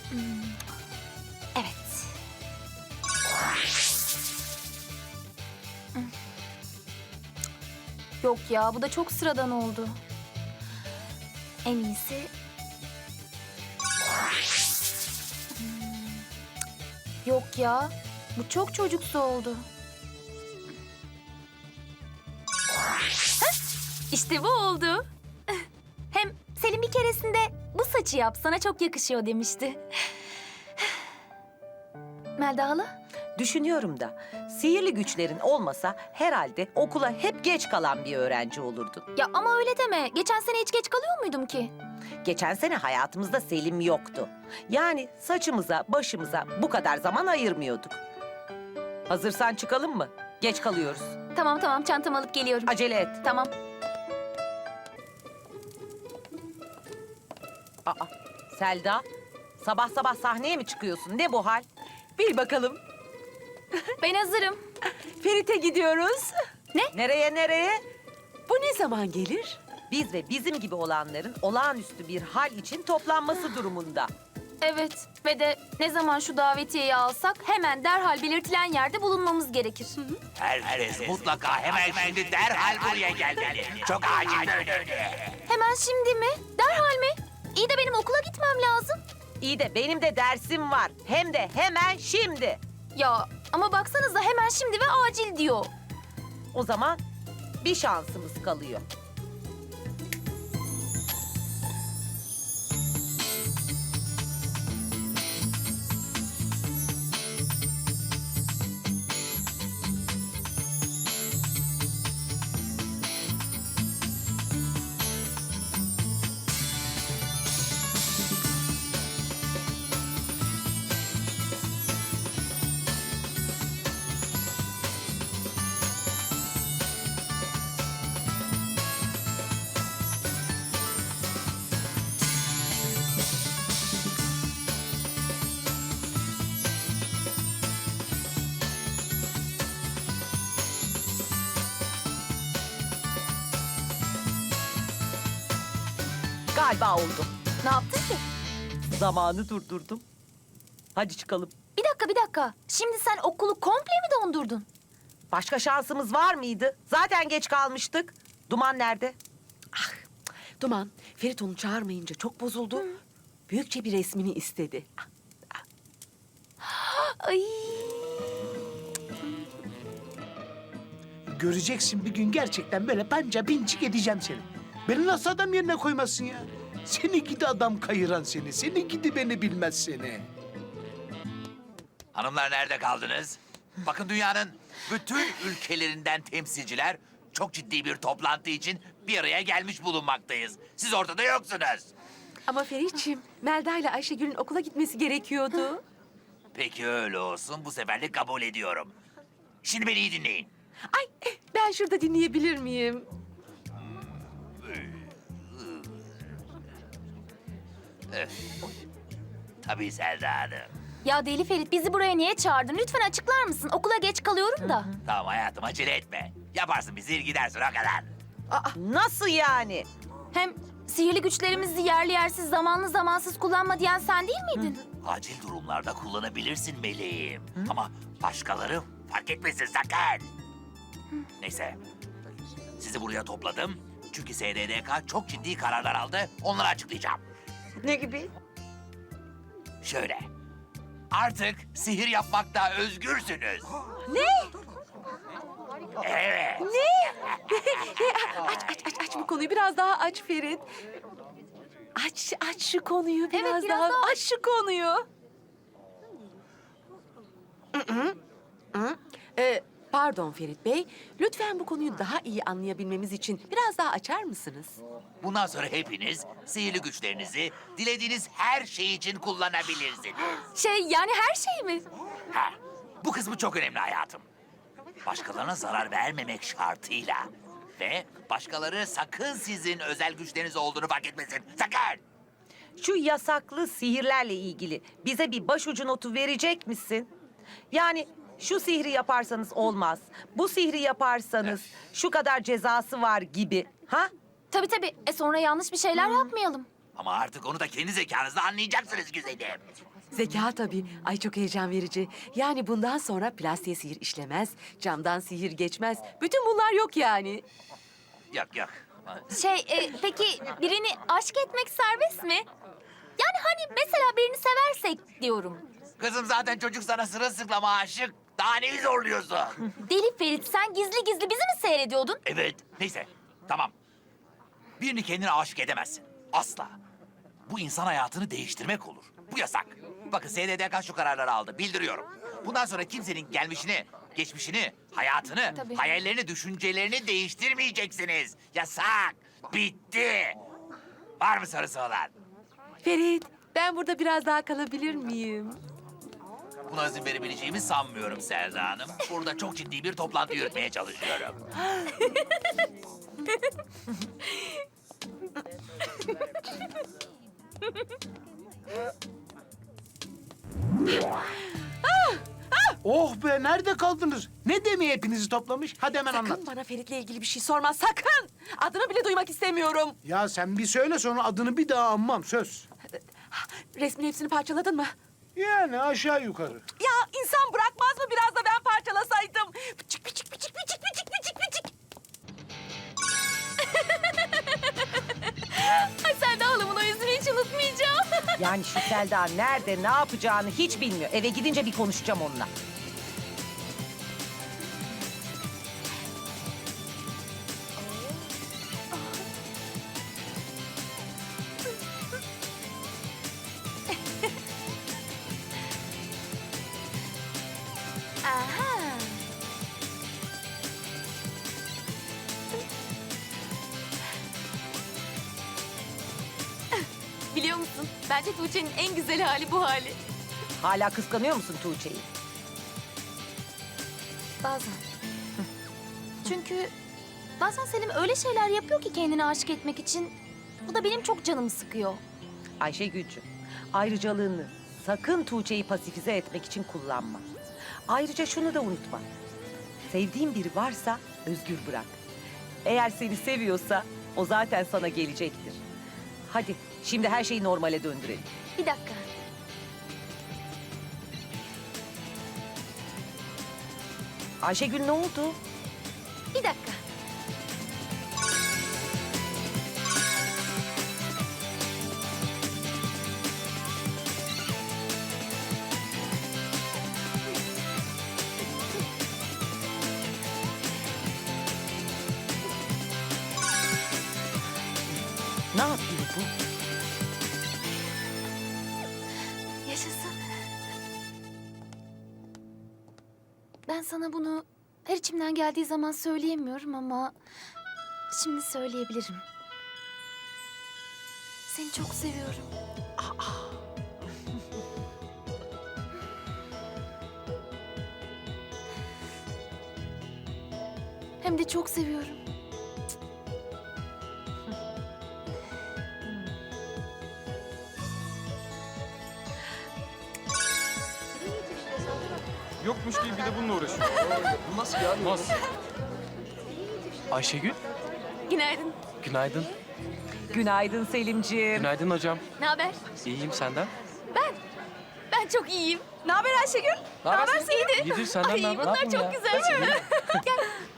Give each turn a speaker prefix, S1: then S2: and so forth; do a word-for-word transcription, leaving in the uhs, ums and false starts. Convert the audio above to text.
S1: Evet. Yok ya, bu da çok sıradan oldu. En iyisi... Hmm. Yok ya, bu çok çocuksu oldu. Heh, İşte bu oldu. Hem Selim bir keresinde bu saçı yap sana çok yakışıyor demişti. Melda hala?
S2: Düşünüyorum da sihirli güçlerin olmasa herhalde okula hep geç kalan bir öğrenci olurdun.
S1: Ya ama öyle deme. Geçen sene hiç geç kalıyor muydum ki?
S2: Geçen sene hayatımızda Selim yoktu. Yani saçımıza, başımıza bu kadar zaman ayırmıyorduk. Hazırsan çıkalım mı? Geç kalıyoruz.
S1: Tamam tamam, çantamı alıp geliyorum.
S2: Acele et.
S1: Tamam.
S2: Aa, Selda, sabah sabah sahneye mi çıkıyorsun? Ne bu hal?
S3: Bil bakalım.
S1: Ben hazırım.
S3: Ferit'e gidiyoruz.
S2: Nereye nereye?
S3: Bu ne zaman gelir?
S2: Biz ve bizim gibi olanların olağanüstü bir hal için toplanması durumunda.
S1: Evet ve de ne zaman şu davetiyeyi alsak hemen derhal belirtilen yerde bulunmamız gerekir.
S4: Herkes mutlaka hemen şimdi derhal buraya gelmeli. Çok acil önemli.
S1: Hemen şimdi mi? Derhal mi? İyi de benim okula gitmem lazım.
S2: İyi de benim de dersim var. Hem de hemen şimdi.
S1: Ya ama baksanıza hemen şimdi ve acil diyor.
S2: O zaman bir şansımız kalıyor. Galiba oldu.
S1: Ne yaptın ki?
S2: Zamanı durdurdum. Hadi çıkalım.
S1: Bir dakika bir dakika. Şimdi sen okulu komple mi dondurdun?
S2: Başka şansımız var mıydı? Zaten geç kalmıştık. Duman nerede?
S3: Duman, Ferit onu çağırmayınca çok bozuldu. Büyükçe bir resmini istedi.
S1: Ay.
S5: Göreceksin bir gün gerçekten böyle panca pinçik edeceğim seni. Beni nasıl adam yerine koymazsın ya? Seni gidi adam kayıran seni. Seni gidi beni bilmez seni.
S4: Hanımlar nerede kaldınız? Bakın dünyanın bütün ülkelerinden temsilciler çok ciddi bir toplantı için bir araya gelmiş bulunmaktayız. Siz ortada yoksunuz.
S3: Ama Ferit'ciğim, Melda ile Ayşegül'ün okula gitmesi gerekiyordu.
S4: Peki öyle olsun. Bu seferlik kabul ediyorum. Şimdi beni iyi dinleyin.
S3: Ay, ben şurada dinleyebilir miyim?
S4: Tabii Selda Hanım.
S1: Ya Deli Ferit, bizi buraya niye çağırdın? Lütfen açıklar mısın? Okula geç kalıyorum da.
S4: Tamam hayatım acele etme. Yaparsın bizi gidersin o kadar.
S2: Nasıl yani?
S1: Hem sihirli güçlerimizi yerli yersiz, zamanlı zamansız kullanma diyen sen değil miydin?
S4: Acil durumlarda kullanabilirsin meleğim. Ama başkaları fark etmesin sakın. Neyse. Sizi buraya topladım. Çünkü S D D K çok ciddi kararlar aldı. Onları açıklayacağım.
S2: Ne gibi?
S4: Şöyle. Artık sihir yapmakta özgürsünüz.
S3: Ne?
S4: Evet.
S3: Aç, aç, aç, aç bu konuyu. Biraz daha aç Ferit. Aç, aç şu konuyu biraz,
S1: biraz
S3: daha.
S1: daha
S3: Aç şu konuyu. Ee, pardon Ferit Bey. Lütfen bu konuyu daha iyi anlayabilmemiz için biraz daha açar mısınız?
S4: Bundan sonra hepiniz sihirli güçlerinizi dilediğiniz her şey için kullanabilirsiniz.
S1: Şey, yani her şey mi?
S4: Ha, bu kısmı çok önemli hayatım. Başkalarına zarar vermemek şartıyla. Ve başkaları sakın sizin özel güçleriniz olduğunu fark etmesin. Sakın!
S2: Şu yasaklı sihirlerle ilgili bize bir başucu notu verecek misin? Yani şu sihri yaparsanız olmaz, bu sihri yaparsanız şu kadar cezası var gibi. Ha?
S1: Tabii tabii. E sonra yanlış bir şeyler yapmayalım.
S4: Ama artık onu da kendi zekanızla anlayacaksınız güzelim.
S3: Zeka tabii. Ay çok heyecan verici. Yani bundan sonra plastiğe sihir işlemez, camdan sihir geçmez. Bütün bunlar yok yani.
S4: Yok yok.
S1: Şey, e, peki birini aşk etmek serbest mi? Yani hani mesela birini seversek diyorum.
S4: Kızım zaten çocuk sana sırılsıklama aşık. Daha neyi zorluyorsun?
S1: Deli Ferit, sen gizli gizli bizi mi seyrediyordun?
S4: Evet. Neyse. Tamam. Birini kendine aşık edemezsin. Asla. Bu insan hayatını değiştirmek olur. Bu yasak. Bakın S D D K şu kararları aldı. Bildiriyorum. Bundan sonra kimsenin gelmişini, geçmişini, hayatını,
S1: Tabii.
S4: hayallerini, düşüncelerini değiştirmeyeceksiniz. Yasak. Bitti. Var mı sorusu olan?
S3: Ferit, ben burada biraz daha kalabilir miyim?
S4: Buna izin verebileceğimi sanmıyorum Selda Hanım. Burada çok ciddi bir toplantı yürütmeye çalışıyorum.
S5: Oh be, nerede kaldınız? Ne demeye hepinizi toplamış? Hadi hemen anlat.
S3: Sakın bana Ferit'le ilgili bir şey sorma, sakın! Adını bile duymak istemiyorum.
S5: Ya sen bir söyle, sonra adını bir daha anmam, söz.
S3: Resmin hepsini parçaladın mı?
S5: Yani aşağı yukarı.
S3: Ya insan bırakmaz mı biraz da ben parçalasaydım? Pıçık pıçık pıçık pıçık pıçık pıçık pıçık.
S1: Ay sen de halamın o yüzünü hiç unutmayacağım.
S2: Yani şu Selda nerede, ne yapacağını hiç bilmiyor. Eve gidince bir konuşacağım onunla.
S1: Aha. Biliyor musun? Bence Tuğçe'nin en güzel hali bu hali.
S2: Hala kıskanıyor musun Tuğçe'yi?
S1: Bazen. Çünkü bazen Selim öyle şeyler yapıyor ki kendini aşık etmek için. Bu da benim çok canımı sıkıyor.
S2: Ayşegül'cüğüm, ayrıcalığını sakın Tuğçe'yi pasifize etmek için kullanma. Ayrıca şunu da unutma. Sevdiğin biri varsa özgür bırak. Eğer seni seviyorsa o zaten sana gelecektir. Hadi şimdi her şeyi normale döndürelim.
S1: Bir dakika.
S2: Ayşegül ne oldu?
S1: Bir dakika.
S2: Ne yapıyor bu?
S1: Yaşasın. Ben sana bunu her içimden geldiği zaman söyleyemiyorum ama şimdi söyleyebilirim. Seni çok seviyorum. Hem de çok seviyorum.
S6: Yokmuş gibi bir de bununla uğraşıyor. Bu nasıl ya? Nasıl? Ayşegül,
S1: Günaydın.
S6: günaydın.
S2: Günaydın Selimciğim.
S6: Günaydın hocam.
S1: Ne haber?
S6: İyiyim senden.
S1: Ben çok iyiyim.
S3: Ne haber Ayşegül?
S6: Ne haber
S1: Selim?
S6: İyidir senden
S1: Ay
S6: ne haber?
S1: bunlar
S6: Ne yapayım
S1: çok
S6: ya?
S1: güzel. Gel.